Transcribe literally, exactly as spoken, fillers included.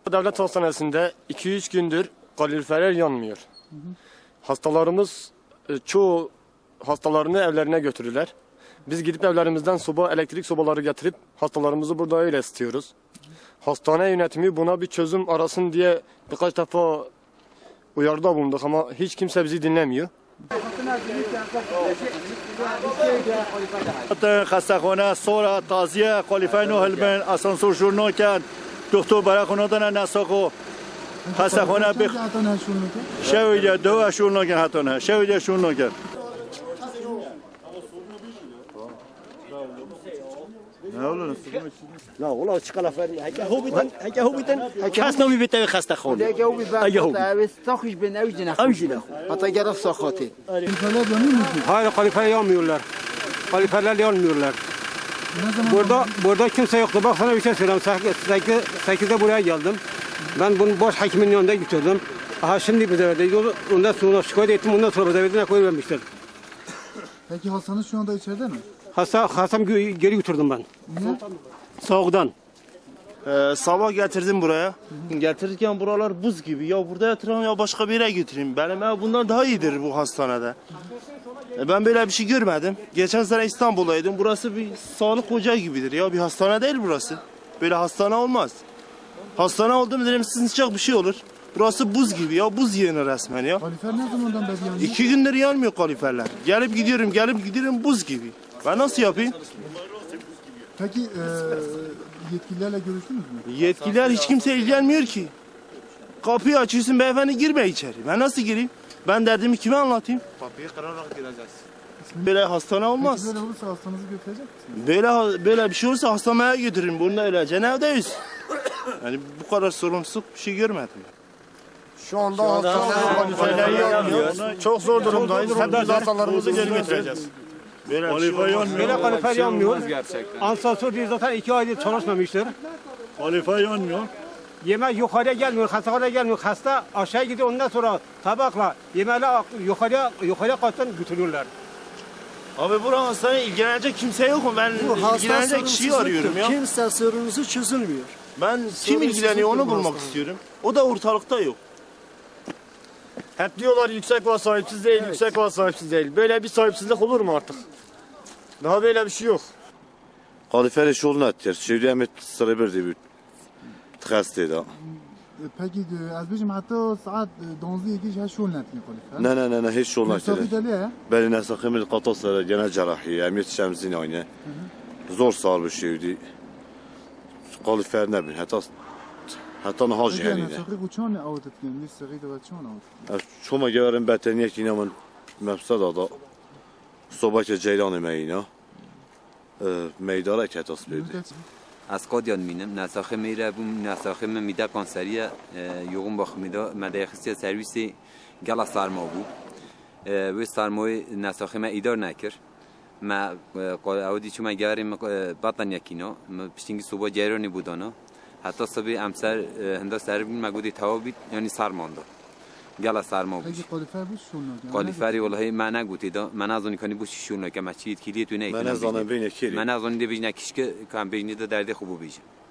Devlet hastanesinde iki üç gündür kaloriferler yanmıyor. Hı hı. Hastalarımız e, çoğu hastalarını evlerine götürürler. Biz gidip evlerimizden soba, elektrik sobaları getirip hastalarımızı burada öyle ısıtıyoruz. Hı hı. Hastane yönetimi buna bir çözüm arasın diye birkaç defa uyarıda bulunduk ama hiç kimse bizi dinlemiyor. خستخانه سورا تازیه کالیفر نو هلبن آسانسور شورنو کرد دکتر برای خونه دادن نساخو خستخانه بخ شویده دو شورنو کرد حتی نه شویده شورنو کرد لا والله اشتغل فرمي هكا هو بيتن هكا هو بيتن هكا خست نمی بیته خسته خونه هكا هو بيتن هكا هو بس تاخش بين اوجنا اوجنا حتى جرف ساخاتي Hayır, kalifer yanmıyorlar. Kaliferler yanmıyorlar. Burada burada kimse yoktu. Bak sana bir şey söyleyeyim. sekizde buraya geldim. Ben bunu boş hakimin yanında götürdüm. Aha şimdi bize verdi. Yolu ondan sonra şikayet ettim. Ondan sonra bize verdiğine koy vermişler. Peki hastanız şu anda içeride mi? Hasta hastam geri götürdüm ben. Niye? Soğuktan. Ee, sabah getirdim buraya. Getirirken buralar buz gibi. Ya burada yatırayım ya başka bir yere götüreyim. Benim ev bundan daha iyidir bu hastanede. E, ben böyle bir şey görmedim. Geçen sene İstanbul'daydım. Burası bir sağlık ocağı gibidir. Ya bir hastane değil burası. Böyle hastane olmaz. Hastane oldu mu dedim sıcak bir şey olur. Burası buz gibi ya. Buz yığını resmen ya. Kalifer ne zamandan beri yanıyor? İki gündür yanmıyor kaliferler. Gelip gidiyorum gelip gidiyorum buz gibi. Ben nasıl yapayım? Peki e, yetkililerle görüştünüz mü? Yetkililer hiç kimse ilgilenmiyor ki. Kapıyı açıyorsun beyefendi girme içeri. Ben nasıl gireyim? Ben derdimi kime anlatayım? Kapıyı kırarak gireceğiz. Böyle hastane olmaz. Peki böyle olursa hastanızı götürecek misiniz? Böyle böyle bir şey olursa hastaneye götürürüm. Bunu öylece evdeyiz. Yani bu kadar sorumsuzluk bir şey görmedim. Şu anda hastaneler kaloriferleri yanmıyor. Çok zor durumdayız. Hep biz hastalarımızı geri götüreceğiz. Böyle bir şey olmaz. Böyle kalifer yanmıyor. Ansansör diye zaten iki aydır çalışmamıştır. kalifer yanmıyor. Yemek yukarıya gelmiyor, hastaneye gelmiyor. Hasta aşağı gidiyor, ondan sonra tabakla yemeği yukarıya yukarıya kattan götürüyorlar. Abi buranın hastaneye ilgilenecek kimse yok mu? Ben ilgilenecek kişiyi arıyorum ya. Kimse sorunuzu çözülmüyor. Ben kim ilgileniyor onu bulmak istiyorum. O da ortalıkta yok. Hep diyorlar yüksek var sahipsiz değil, yüksek var sahipsiz değil. Böyle bir sahipsizlik olur mu artık? Daha böyle bir şey yok. Kalifer iş olun ettir. Şevdi emet sıra bir de bir tıkastı da. Peki de, az bizim hatta saat donzi iki şey şol netni kalifer. Ne ne ne ne hiç olun ettir. Mesafı deliye. Beni nesakımı kataslara gene cerrahi. Emniyet şemzin aynı. Zor sağır bir şeydi. Kalifer ne bileyim. Hatta hatta ne hacı Peki yani. mesafı uçan avudet yani. Lis sıgıydı ve çan avudet. Çoma gelirim beteniye ki inanın mefsada da sobayca ceylan emeğine. Meydara ketas verdi. از قادیان مینم نساخه میره بوم نساخه من میده کانسریه یوغم باخ میده مده خصیص سرویسی گلا سرما بود و سرمای نساخه من ایدار نکر ما اودی چون من گریم بطن یکینا پشتینگی صبح جریانی بودانا حتی صبح امسر هندا سر بین مگودی توابید یعنی سرمانده گلا سرما بود Peki kalifer bu şol netni. قالیفری والله من نگوتی دا من از اون کنی بوشی شون که مچید کلیه تو نه من از آن بین کلی. من از اون دی بیش نکیش که کام بینی دا درد خوبو بیش